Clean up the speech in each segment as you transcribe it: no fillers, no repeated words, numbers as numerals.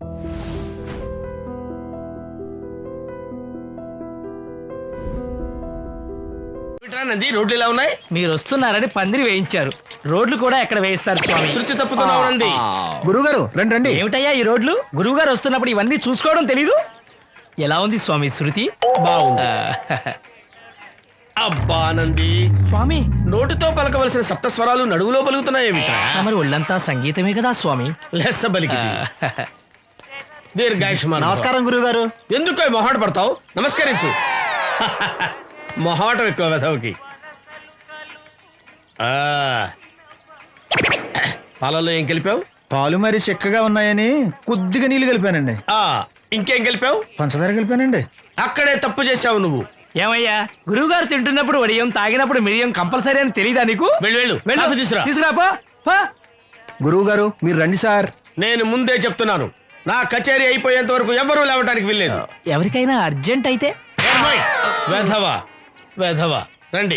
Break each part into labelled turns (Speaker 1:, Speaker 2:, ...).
Speaker 1: నంది రోడ్లు ఇలా ఉన్నాయి.
Speaker 2: మీరు వస్తున్నారని పందిరి వేయించారు. రోడ్లు కూడా ఎక్కడ వేయిస్తారు స్వామి?
Speaker 1: శృతి తప్పుతున్నావు.
Speaker 3: గురుగారు రండి రండి.
Speaker 2: ఏమిటయ్యా ఈ రోడ్లు? గురువు గారు వస్తున్నప్పుడు ఇవన్నీ చూసుకోవడం తెలీదు? ఎలా ఉంది స్వామి శృతి?
Speaker 1: బాగుంది. అబ్బా నంది,
Speaker 2: స్వామి
Speaker 1: నోటితో పలకవలసిన సప్తస్వరాలు నడువులో పలుకుతున్నాయేమిట్రా?
Speaker 2: మరి ఒళ్ళంతా సంగీతమే కదా స్వామి.
Speaker 1: లెస్స బలికి దీర్ఘాయుష్మాన్.
Speaker 3: నమస్కారం గురుగారు.
Speaker 1: ఎందుకు మొహాట పడతావు? నమస్కరించు. మొహాటం ఎక్కువ వెధవుకి. పాలలో ఏం కలిపావు?
Speaker 3: పాలు మరి చిక్కగా ఉన్నాయని కొద్దిగా నీళ్లు కలిపానండి.
Speaker 1: ఇంకేం కలిపావు?
Speaker 3: పంచదార కలిపానండి.
Speaker 1: అక్కడే తప్పు చేసావు నువ్వు.
Speaker 2: ఏమయ్యా, గురువు గారు తింటున్నప్పుడు వడియం, తాగినప్పుడు మిరియం కంపల్సరీ అని తెలీదా నీకు?
Speaker 1: వెళ్ళు వెళ్ళు,
Speaker 2: తీసుకురాపో.
Speaker 3: గురువు గారు మీరు రండి సార్.
Speaker 1: నేను ముందే చెప్తున్నాను, నా కచేరీ అయిపోయేంత వరకు ఎవరూ లేవటానికి వెళ్ళలేదు.
Speaker 2: ఎవరికైనా అర్జెంట్ అయితే
Speaker 1: వెధవా వెధవా రండి.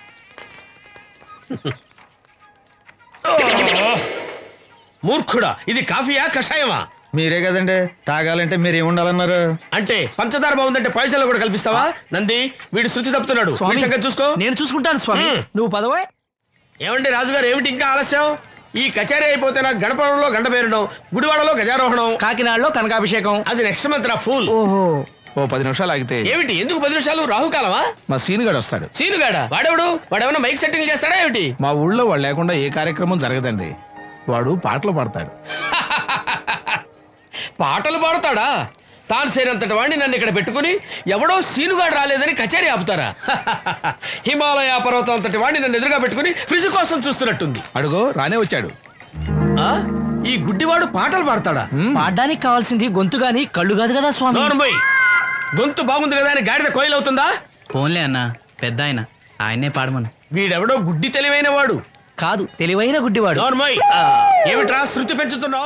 Speaker 1: మూర్ఖుడా, ఇది కాఫీయా కషాయమా?
Speaker 3: మీరే కదండి తాగాలంటే మీరు ఏముండాలన్నారు?
Speaker 1: అంటే పంచదార బాగుందంటే పైసలు కూడా కల్పిస్తావా? నంది, వీడు శృతి తప్పుతున్నాడు. చూసుకో.
Speaker 2: నేను చూసుకుంటాను స్వామి, నువ్వు పదవా.
Speaker 1: ఏమండి రాజుగారు, ఏమిటి ఇంకా ఆలస్యం? ఈ కచేరీ అయిపోతే నాకు గణపవరంలో గండ పేరడం, గుడివాడలో గజారోహణం,
Speaker 2: కాకినాడలో కనకాభిషేకం.
Speaker 1: అది నెక్స్ట్ మంత్ రా ఫూల్.
Speaker 2: ఓహో,
Speaker 3: ఓ 10 నిమిషాలు ఆగితే.
Speaker 1: ఏమిటి, ఎందుకు 10 నిమిషాలు? రాహుకాలమా?
Speaker 3: మా సీనుగాడు వస్తాడు.
Speaker 1: సీనుగాడా? వాడేమన్నా మైక్ సెట్టింగ్ చేస్తాడా ఏమిటి?
Speaker 3: మా ఊళ్ళో వాడు లేకుండా ఏ కార్యక్రమం జరగదండి. వాడు పాటలు పాడతాడు.
Speaker 1: పాటలు పాడతాడా? తాను సేనంతటి వాడిని నన్ను ఇక్కడ పెట్టుకుని ఎవడో సీనుగాడు రాలేదని కచేరీ ఆపుతారా? హిమాలయ పర్వతం అంతటి వాడిని నన్ను ఎదురుగా పెట్టుకుని ఫ్రిజ్ కోసం చూస్తున్నట్టుంది.
Speaker 3: అడుగో రానే వచ్చాడు.
Speaker 1: ఈ గుడ్డివాడు పాటలు పాడతాడా?
Speaker 2: పాడడానికి కావాల్సింది గొంతు గాని కళ్ళు కాదు కదా స్వామి.
Speaker 1: నోర్మోయ్, గొంతు బాగుంది కదా అని గాడిద కోయిల్ అవుతుందా?
Speaker 2: పోన్లే అన్న, పెద్ద ఆయనే పాడమను.
Speaker 1: వీడెవడో గుడ్డి తెలివైన వాడు
Speaker 2: కాదు, తెలివైన గుడ్డివాడు.
Speaker 1: నోర్మోయ్, ఏమిట్రా శృతి పెంచుతున్నావు?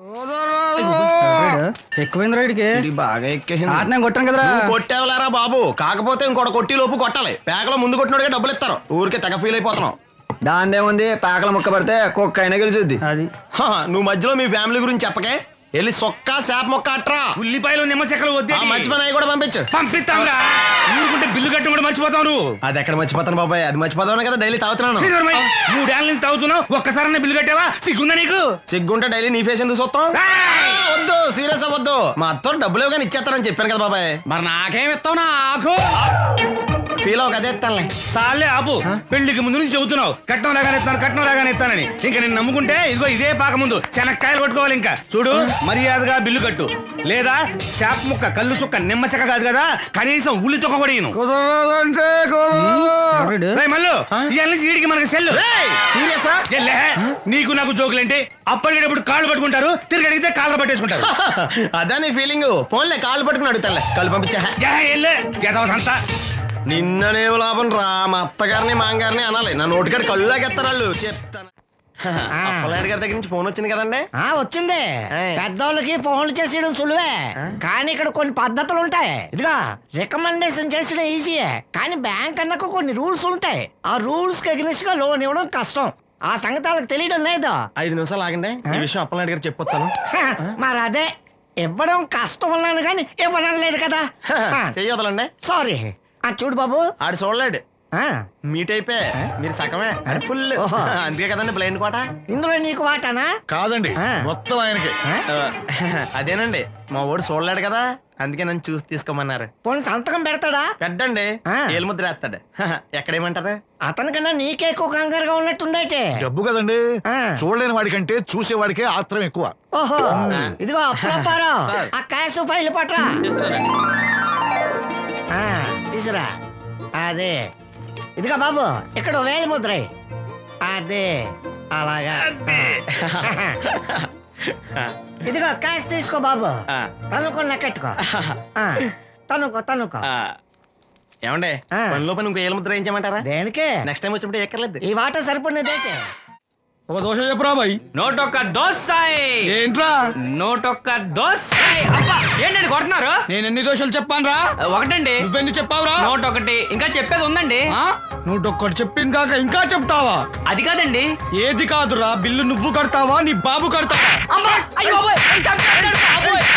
Speaker 3: ఎక్కువైంది రైడ్కి. బాగా ఎక్కేసింది. కొట్టాను కదరా.
Speaker 1: కొట్టేవలారా బాబు, కాకపోతే ఇంకోటి కొట్టి లోపు కొట్టాలి. పేకలో ముందు కొట్టినోడిగా డబ్బులు ఇస్తారు. ఊరికే తెగ ఫీల్ అయిపోతున్నావు.
Speaker 3: దాందేముంది, పేకల ముక్క పడితే కుక్క అయినా గెలిచుద్ది. అది
Speaker 1: నువ్వు మధ్యలో మీ ఫ్యామిలీ గురించి చెప్పకే. వెళ్ళి సొక్క శాప మొక్క అట్రా.
Speaker 2: ఉల్లిపాయలు నిమ్మ చెక్కలు వద్దే.
Speaker 1: మంచి పని అవి కూడా పంపించు.
Speaker 2: పంపిస్తాంరా. ఊరుకుంటే బిల్లు కట్టి కూడా మర్చిపోతావు నువ్వు.
Speaker 1: అది ఎక్కడ మర్చిపోతాను బాబాయ్, అది మర్చిపోతాను కదా డైలీ తాగుతున్నాను.
Speaker 2: 3 ఏళ్ళ నుంచి తాగుతున్నావు, ఒక్కసారి బిల్లు కట్టావా? సిగ్గుందా నీకు?
Speaker 1: సిగ్గుంటే డైలీ నీ ఫేస్ ఎందుకు చూస్తాం? వద్దు, సీరియస్ అవ్వద్దు. మా అత్తో డబ్బులు ఇవ్వగానే ఇచ్చేస్తానని చెప్పాను కదా బాబాయ్.
Speaker 2: మరి నాకేం ఇస్తావు? నాకు
Speaker 1: ఫీల్ అవ్వక అదే ఇస్తానులే.
Speaker 2: సాలే ఆపు. పెళ్లికి ముందు నుంచి చెబుతున్నావు కట్నం లాగానే ఇస్తానని. ఇంకా నేను నమ్ముకుంటే ఇదిగో ఇదే పాక ముందు శనక్కాయలు కొట్టుకోవాలి. ఇంకా చూడు, మర్యాదగా బిల్లు కట్టు, లేదా చేప ముక్క, కళ్ళు సుక్క, నిమ్మ చెక్క కాదు కదా, కనీసం ఉల్లి తొక్క కూడా ఇయ్యను. మళ్ళీ ఇవాళ నుంచి వీడికి మనకి సెల్లు.
Speaker 1: సీరియసా?
Speaker 2: నీకు నాకు జోకులేంటి? అప్పటికేటప్పుడు కాళ్ళు పట్టుకుంటారు, తిరిగి అడిగితే కాళ్ళు పట్టేసుకుంటారు.
Speaker 1: అదా నీ ఫీలింగ్? ఫోన్లే కాళ్ళు పట్టుకుని అడుగుతాలే. కాళ్ళు పంపించా.
Speaker 2: సంతా
Speaker 1: నిన్ననేం లాభం రా. మా అత్తగారిని మాంగారిని అనాలి, నా నోటికాడ కళ్ళులాగెత్తారు వాళ్ళు. చెప్తాను. అప్పలనాయుడు గారి దగ్గర నుంచి ఫోన్ వచ్చింది కదండి.
Speaker 4: వచ్చింది. పెద్దోళ్ళకి ఫోన్లు చేసేయడం సులువే, కానీ ఇక్కడ కొన్ని పద్ధతులు ఉంటాయి. ఇదిగా రికమెండేషన్ చేసడం ఈజీయే, కానీ బ్యాంక్ అన్నకు కొన్ని రూల్స్ ఉంటాయి. ఆ రూల్స్ కి అగ్నిస్ట్ గా లోన్ ఇవ్వడం కష్టం. ఆ సంగతి వాళ్ళకి తెలియడం లేదు.
Speaker 1: 5 నిమిషాలు ఆగండి, ఈ విషయం అప్పలనాయుడు గారు చెప్పొస్తాను.
Speaker 4: మరి అదే ఇవ్వడం కష్టం ఉన్నాను కానీ ఇవ్వడం లేదు కదా.
Speaker 1: చెయ్యొదలండి.
Speaker 4: సారీ. చూడు బాబు,
Speaker 1: ఆడు చూడలేడు. మీట్ అయిపోయి మీరు సగమే, ఫుల్. అందుకే కదండి బ్లైండ్ కోట.
Speaker 4: ఇందులో నీకు వాటానా?
Speaker 1: కాదండి, మొత్తం ఆయనకి. అదేనండి, మా ఓడు చూడలేడు కదా, అందుకే నన్ను చూసి తీసుకోమన్నారు.
Speaker 4: పోనీ సంతకం పెడతాడా?
Speaker 1: పెట్టండి, ఏలు ముద్ర వేస్తాడు. ఎక్కడేమంటారు?
Speaker 4: అతనికన్నా నీకే ఎక్కువ కంగారుగా ఉన్నట్టుందైతే.
Speaker 3: డబ్బు కదండి, చూడలేని వాడికంటే చూసేవాడికే ఆత్రం ఎక్కువ.
Speaker 4: ఓహో, ఇదిగో అప్పుడప్పారో ఆ క్యాష్ ఫైల్ పట్రా. తీసురా. అదే, ఇదిగా బాబు, ఇక్కడ 1000 ముద్ర. అదే అలాగా. ఇదిగో క్యాష్ తీసుకో బాబు, తనుకో కట్టుకో. తనుకో.
Speaker 1: ఏమండే, పనిలో పని ఇంకో ఏలు ముద్ర ఏం చేయమంటారా?
Speaker 4: దేనికే?
Speaker 1: నెక్స్ట్ టైం వచ్చినప్పుడు ఎక్కర్లేదు.
Speaker 4: ఈ వాట సరిపడినదైతే
Speaker 3: ఒక దోశ చెప్పురా బాయ్.
Speaker 2: నోటొక్క దోసాయి.
Speaker 3: ఏంట్రా
Speaker 2: నోటొక్క దోసాయి? అబ్బా, ఏంటండి కొడుతున్నారు?
Speaker 3: నేను ఎన్ని దోశలు చెప్పాను రా?
Speaker 2: ఒకటండి.
Speaker 3: నువ్వెన్ని చెప్పావురా?
Speaker 2: నోటొకటి. ఇంకా చెప్పేది ఉందండి.
Speaker 3: నువ్వు ఒక్కటి చెప్పింది కాక ఇంకా చెప్తావా?
Speaker 2: అది కాదండి.
Speaker 3: ఏది కాదురా, బిల్లు నువ్వు కడతావా నీ బాబు కడతావా?
Speaker 2: అమ్మా, అయ్యో బాబోయ్,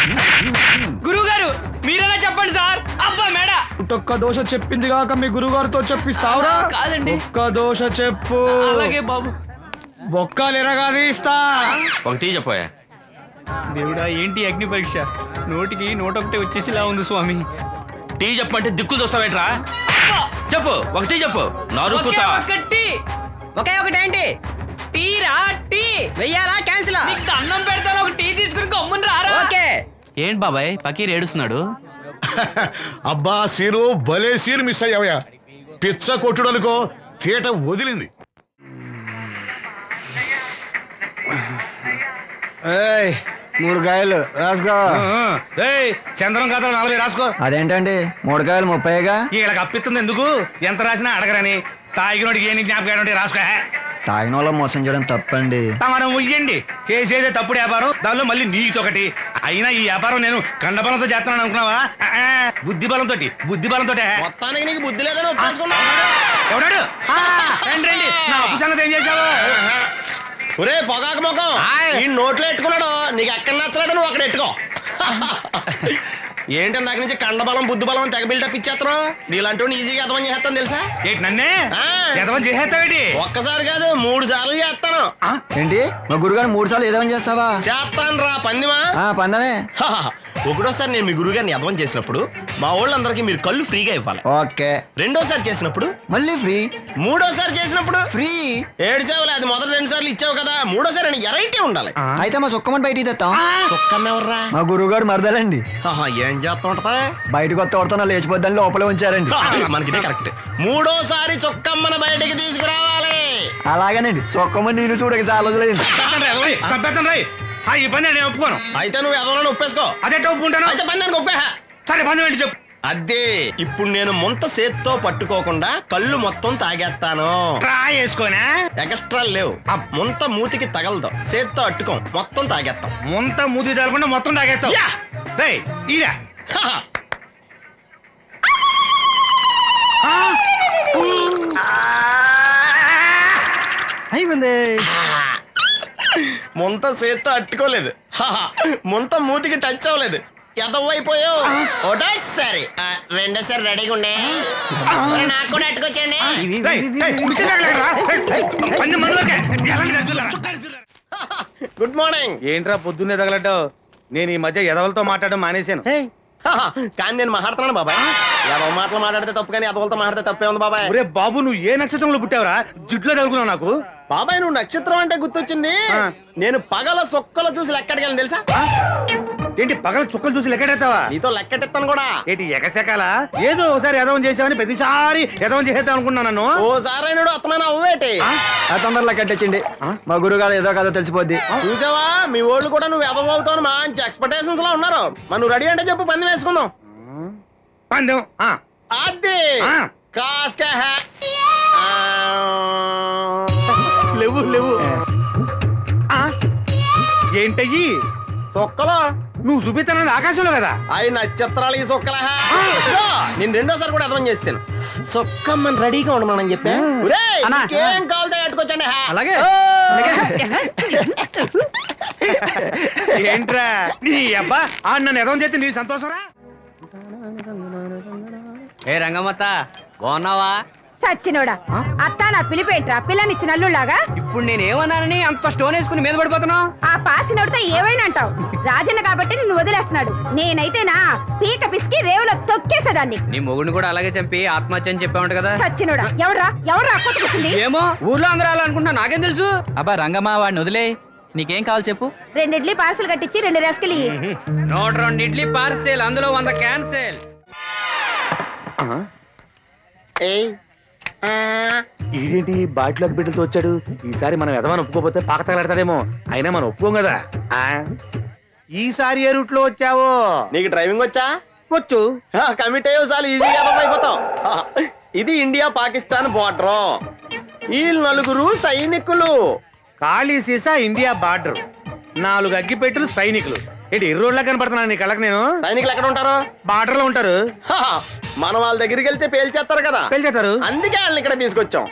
Speaker 3: ఒక్క దోశ చెప్పింది కాక మీ గురుగారితో చెప్పిస్తావురా?
Speaker 5: కాదండి.
Speaker 3: ఒక్క దోశ చెప్పు.
Speaker 5: అలాగే బాబు.
Speaker 3: బొక్కలు ఎరగాది ఇస్తా.
Speaker 1: ఒక టీ చెప్పోయా.
Speaker 5: దేవుడా ఏంటి అగ్ని పరీక్ష? నోటికి నోటొకటి వచ్చేసిలా ఉంది స్వామి.
Speaker 1: టీ చెప్పమంటే దిక్కులు చూస్తావేట్రా? చెప్పు, ఒక టీ చెప్పు. నరుకుతా.
Speaker 5: ఒకే ఒకటేంటి? టీ రా, టీ వెయ్యాలా క్యాన్సిల్? అన్నం పెడతాను, ఒక టీ తీసుకుని గమ్మున రారా. ఓకే.
Speaker 6: ఏంటి బాబాయ్ పకీర్ ఏడుస్తున్నాడు?
Speaker 7: అబ్బా సీను భలే సీన్ మిస్ అయ్యావయ్యా. పిచ్చ కొట్టుడు అనుకో, తీట వదిలింది.
Speaker 3: ఏయ్ 3 కాయలు రాసుకో.
Speaker 2: చంద్రం కథ 40 రాసుకో.
Speaker 3: అదేంటండి 3 కాయలు 30గా?
Speaker 2: వీళ్ళకి అప్పిస్తుంది ఎందుకు? ఎంత రాసినా అడగరని. తాగినోడికి ఏ జ్ఞాపకం ఉంటే రాసుకో.
Speaker 3: తాగిన వాళ్ళ మోసం చేయడం తప్పండి.
Speaker 2: మనం ఉయ్యండి, చేసేదే తప్పుడు వ్యాపారం, దానిలో మళ్ళీ నీతొకటి. అయినా ఈ వ్యాపారం నేను కండబలంతో చేస్తున్నాను అనుకున్నావా? బుద్ధి బలంతో.
Speaker 1: మొత్తానికి నీకు బుద్ధి లేదని ఒప్పేసుకున్నా.
Speaker 2: ఎవడాడు? రండి రండి, నా అప్పు సంగతి ఏం చేశావు?
Speaker 1: ఒరే పొగాకు ముఖం, ఈ నోట్లో ఎట్టుకున్నాడు. నీకు ఎక్కడ నచ్చలేదు, నువ్వు అక్కడ ఎట్టుకో. ఏంటి దాని నుంచి కండబలం బుద్ధి బలం తెగ బిల్డప్ ఇచ్చేస్తున్నావు. నీలాంటి ఈజీగా అర్థం చేస్తాను తెలుసా?
Speaker 2: ఏంటి నన్నే
Speaker 1: ఆ.
Speaker 2: ఎదవం చేసేస్తావేటి?
Speaker 1: ఒక్కసారి కాదు 3 సార్లు చేస్తాను.
Speaker 3: ఏంటి మా గురుగారు 3 సార్లు ఏదేమని చేస్తావా?
Speaker 1: చేస్తాను రా పందిమా.
Speaker 3: పందమే.
Speaker 1: ఒకటోసారి నేను మీ గురువు గారిని అర్థం చేసినప్పుడు మా వాళ్ళందరికీ మీరు కళ్ళు ఫ్రీగా ఇవ్వాలి.
Speaker 3: ఓకే.
Speaker 1: రెండోసారి చేసినప్పుడు
Speaker 3: మళ్ళీ ఫ్రీ.
Speaker 1: మూడోసారి చేసినప్పుడు
Speaker 3: ఫ్రీ.
Speaker 1: ఏడ్చావులే, అది మొదటి 2 సార్లు ఇచ్చావు కదా, మూడోసారి అని ఎరైటీ ఉండాలి.
Speaker 3: అయితే మా సుక్కమని బయటికి తెస్తాం.
Speaker 1: సుక్కమ్మ ఎవర్రా?
Speaker 3: మా గురువుగారు మరదలండి.
Speaker 1: ఏం చేస్తా ఉంటదా?
Speaker 3: బయటకు వస్తే కొడతా లేచిపోద్దని లోపలే ఉంచారండి.
Speaker 1: మనకి ఇదే కరెక్ట్. మూడోసారి చొక్కమ్మని బయటికి తీసుకురావాలి.
Speaker 3: అలాగేనండి చొక్కమని నేను చూడక చాలా రోజులైంది.
Speaker 2: ఈ పని నేను ఒప్పుకోను.
Speaker 1: అయితే నువ్వు ఎవరైనా ఒప్పేసుకో.
Speaker 2: అదే ఒప్పుకుంటాను.
Speaker 1: అయితే పని దానికి ఒప్పే.
Speaker 2: సరే పని ఏంటి చెప్పు.
Speaker 1: అదే ఇప్పుడు నేను ముంత చేత్తో పట్టుకోకుండా కళ్ళు మొత్తం తాగేస్తాను.
Speaker 2: ట్రా చేసుకోనా?
Speaker 1: ఎక్స్ట్రా లేవు. ముంత మూతికి తగలదు, చేత్తో అట్టుకోం, మొత్తం తాగేస్తాం.
Speaker 2: ముంత మూతి తగలకుండా మొత్తం తాగేస్తావు.
Speaker 1: యా.
Speaker 2: రేయ్, ఈరా.
Speaker 3: అయిపోయింది.
Speaker 1: ముంత చేత్తో అట్టుకోలేదు, ముంత మూతికి టచ్ అవ్వలేదు, ఎదవైపోయావు. ఒకటోసారి రెండోసారి రెడీగా ఉండే. నాకు కూడా అట్టుకొచ్చండి.
Speaker 2: రేయ్, రేయ్, మిషన్ తగలకరా. రేయ్, పని మనలోకే. ఎలాంటి రజ్జులా?
Speaker 1: Good morning.
Speaker 2: ఏంట్రా పొద్దున్నే తగలడ్డావు? నేను ఈ మధ్య ఎదవలతో మాట్లాడడం మానేశాను.
Speaker 1: కానీ నేను మాట్లాడుతున్నాను బాబాయ్. ఎదవ మాటలు మాట్లాడితే తప్పు, కానీ ఎదవలతో మాట్లాడితే తప్పే ఉంది బాబాయ్.
Speaker 2: ఒరే బాబు, నువ్వు ఏ నక్షత్రంలో పుట్టావురా? జుట్లో తగులుకున్నావు నాకు.
Speaker 1: బాబాయ్ నువ్వు నక్షత్రం అంటే గుర్తొచ్చింది. నేను పగల సొక్కలు చూసి లెక్కడికెళ్ళను తెలుసా?
Speaker 2: ఏంటి పగల చుక్కలు చూసి లెక్కెడతావా?
Speaker 1: నీతో లెక్కెట్టాను కూడా.
Speaker 2: ఏంటి ఎగసెకాల? ఏదో ఒకసారి ఎదవం చేసావని ప్రతిసారి ఎదవం చేసేద్దాం అనుకున్నాను నన్ను.
Speaker 1: ఓసారి అయినాడు అత్తమైన అవ్వేటి.
Speaker 3: తొందరలో కట్టించండి. మా గురుగారు ఏదో కదో తెలిసిపోద్ది.
Speaker 1: చూసావా, మీ వాళ్ళు కూడా నువ్వు ఎదవ అవుతావు మంచి ఎక్స్పెక్టేషన్స్ లో ఉన్నారు. మరి నువ్వు రెడీ అంటే చెప్పు, పంది వేసుకుందాం.
Speaker 2: పందెం.
Speaker 1: అది కాస్క
Speaker 2: లేవు లేవు. ఏంటయ్యి
Speaker 1: సొక్కలో
Speaker 2: నువ్వు చూపిస్తానని ఆకాశంలో కదా?
Speaker 1: అవి నక్షత్రాలు ఈ సొక్కల. నేను రెండోసారి కూడా అర్థం చేస్తాను. సొక్కమ్మని రెడీగా ఉండమని చెప్పా. ఏం కావాలితే కట్టుకోవచ్చండి.
Speaker 3: అలాగే.
Speaker 2: ఏంట్రా నీ అబ్బా నన్ను ఎదవం చేస్తే నీ సంతోషరా?
Speaker 6: ఏ రంగమ్మత్త బాగున్నావా?
Speaker 8: సచ్చినోడా, అత్త నా పిలిపేంట్రా పిల్లనిచ్చిన అల్లుళ్ళాగా.
Speaker 5: ఇప్పుడు నేనేమన్నానని అంత స్టోన్ వేసుకుని మీద పడిపోతున్నావు?
Speaker 8: ఆ పాసినోడితో ఏవైనా అంటావు. రాజన్న కాబట్టి నిన్ను వదిలేస్తున్నాడు. నేనైతే నా పీక పిసికి రేవులో తొక్కేసేదాన్ని.
Speaker 6: నీ మొగుడిని కూడా అలాగే చంపి ఆత్మహత్య అని చెప్పావంట కదా?
Speaker 8: సచ్చినోడా, ఎవరా కొట్టుకొచ్చింది?
Speaker 5: ఏమో ఊర్లో అందరూ అలా అనుకుంటున్నా, నాకేం తెలుసు?
Speaker 6: అబ్బా రంగమ్మ వాడిని వదిలే. నీకేం కావాలి చెప్పు.
Speaker 8: 2 ఇడ్లీ పార్సల్ కట్టించి 2 రస్కలు ఇయ్యి.
Speaker 5: 102 ఇడ్లీ పార్సెల్, అందులో 100 క్యాన్సెల్.
Speaker 2: ఈడేంటి బాటిలోకి బిడ్డలతో వచ్చాడు? ఈసారి మనం ఎదవని ఒప్పుకోపోతే పాక తగలడతాడేమో. అయినా మనం ఒప్పుకోం కదా. ఈసారి ఏ రూట్ లో వచ్చావో?
Speaker 1: నీకు డ్రైవింగ్ వచ్చా?
Speaker 2: వచ్చు.
Speaker 1: కమిట్ అయ్యే చాలు, ఈజీగా అయిపోతావు. ఇది ఇండియా పాకిస్తాన్ బోర్డర్. ఈ 4 సైనికులు.
Speaker 2: ఖాళీ సీసా ఇండియా బార్డర్, 4 అగ్గిపెట్టులు సైనికులు. ఏంటి ఎర్రోడ్లా కనపడుతున్నాను నీ కళ్ళకి నేను?
Speaker 1: సైనికులు ఎక్కడ ఉంటారు?
Speaker 2: బార్డర్ లో ఉంటారు.
Speaker 1: మనం వాళ్ళ దగ్గరికి వెళ్తే పేల్చేస్తారు కదా,
Speaker 2: పెళ్తారు.
Speaker 1: అందుకే వాళ్ళని ఇక్కడ తీసుకొచ్చాం.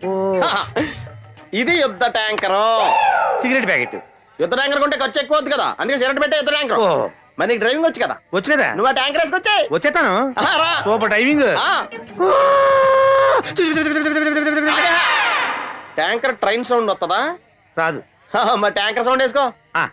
Speaker 1: ఇది యుద్ధ ట్యాంకర్.
Speaker 2: Cigarette packet.
Speaker 1: యుద్ధ ట్యాంకర్ కొంటే ఖర్చు ఎక్కువ అవుతుంది కదా, అందుకే సిగరెట్ పెట్టే యుద్ధ ట్యాంకర్. మరి నీకు డ్రైవింగ్ వచ్చు కదా,
Speaker 2: వచ్చు కదా,
Speaker 1: నువ్వు ఆ ట్యాంకర్ వేసుకొచ్చాయి.
Speaker 2: వచ్చేస్తాను. Super driving.
Speaker 1: Tanker train sound వస్తుందా?
Speaker 2: రాదు.
Speaker 1: మరి ట్యాంకర్ సౌండ్ వేసుకో.
Speaker 2: ఆ.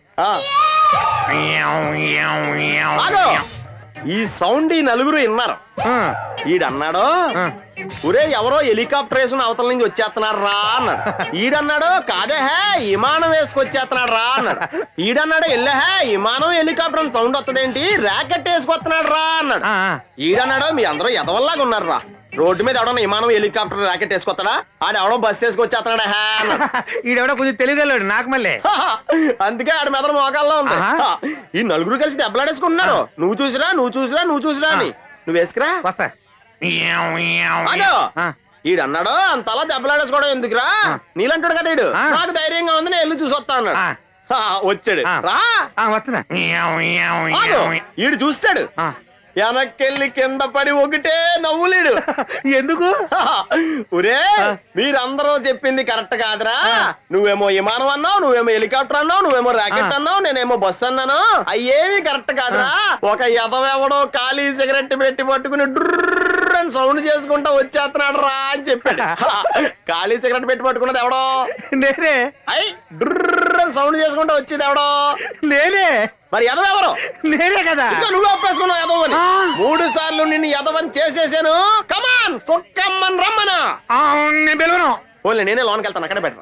Speaker 1: ఆగు. ఈ సౌండ్ ఈ నలుగురు విన్నారు.
Speaker 2: ఆ.
Speaker 1: ఈడన్నాడు,
Speaker 2: ఆ.
Speaker 1: ఒరే ఎవరో హెలికాప్టర్ వేసుకుని అవతల నుంచి వచ్చేస్తున్నారు రా అన్నాడు. ఈడన్నాడు, కాదే హే విమానం వేసుకొచ్చేస్తున్నాడు రా అన్నాడు. ఈడన్నాడు, ఎల్లహే విమానం హెలికాప్టర్ అని సౌండ్ వస్తుందేంటి, ర్యాకెట్ వేసుకొస్తున్నాడు రా అన్నాడు.
Speaker 2: ఆ.
Speaker 1: ఈడన్నాడు, మీ అందరూ ఎదవల్లాగా ఉన్నారు రా, రోడ్డు మీద ఎవడన్నా విమానం హెలికాప్టర్ ర్యాకెట్ వేసుకొస్తాడా, ఆడ ఎవడో బస్సు వేసుకొచ్చేస్తున్నాడా హే అన్నాడు.
Speaker 2: ఈడెవడో కొంచెం తెలియగలడు నాకు మళ్ళీ.
Speaker 1: అందుకే ఆడ మెదడు మోకాల్లో ఉంది.
Speaker 2: ఆహా.
Speaker 1: ఈ నలుగురు కలిసి దెబ్బలాడేసుకుంటున్నారు. నువ్వు చూసిరా అని. నువ్వు వేసుకురా.
Speaker 2: వస్తా.
Speaker 1: ఆగు.
Speaker 2: ఆ.
Speaker 1: ఈడన్నాడు, అంతలా దెబ్బలాడేసుకోవడం ఎందుకురా, నీలంటాడు కదా ఈడు,
Speaker 2: ఆ.
Speaker 1: నాకు ధైర్యంగా ఉంది నేను వెళ్ళి చూసి వస్తా అన్నాడు.
Speaker 2: ఆ.
Speaker 1: వచ్చాడు.
Speaker 2: ఆ.
Speaker 1: రా.
Speaker 2: వస్తున్నా.
Speaker 1: ఆగు. ఈడు చూస్తాడు,
Speaker 2: ఆ.
Speaker 1: వెనక్కెళ్ళి కింద పడి ఒకటే నవ్వులేడు.
Speaker 2: ఎందుకు?
Speaker 1: ఒరే మీరందరూ చెప్పింది కరెక్ట్ కాదురా, నువ్వేమో విమానం అన్నావు, నువ్వేమో హెలికాప్టర్ అన్నావు, నువ్వేమో రాకెట్ అన్నావు, నేనేమో బస్సు అన్నాను, అయ్యేవి కరెక్ట్ కాదురా. ఒక ఎదవెవడో ఖాళీ సిగరెట్ పెట్టి పట్టుకుని డ్రర్ అని సౌండ్ చేసుకుంటా వచ్చేస్తున్నాడు రా అని చెప్పాడు. ఖాళీ సిగరెట్ పెట్టి పట్టుకున్నది ఎవడో
Speaker 2: నేనే.
Speaker 1: అయ్ డ్రర్ అని సౌండ్ చేసుకుంటా వచ్చేది ఎవడో
Speaker 2: నేనే.
Speaker 1: మరి ఎదవెవరు?
Speaker 2: నేనే కదా.
Speaker 1: ఇంకా నువ్వు ఒప్పేసుకున్నావు ఎదవని. 3 సార్లు నిన్ను ఎదవని చేసేసాను. కమాన్ సుక్కమ్మన్ రమ్మనా.
Speaker 2: నేను పిలవను.
Speaker 1: ఓన్లీ నేనే లోన్కి వెళ్తాను, అక్కడే పెట్టు.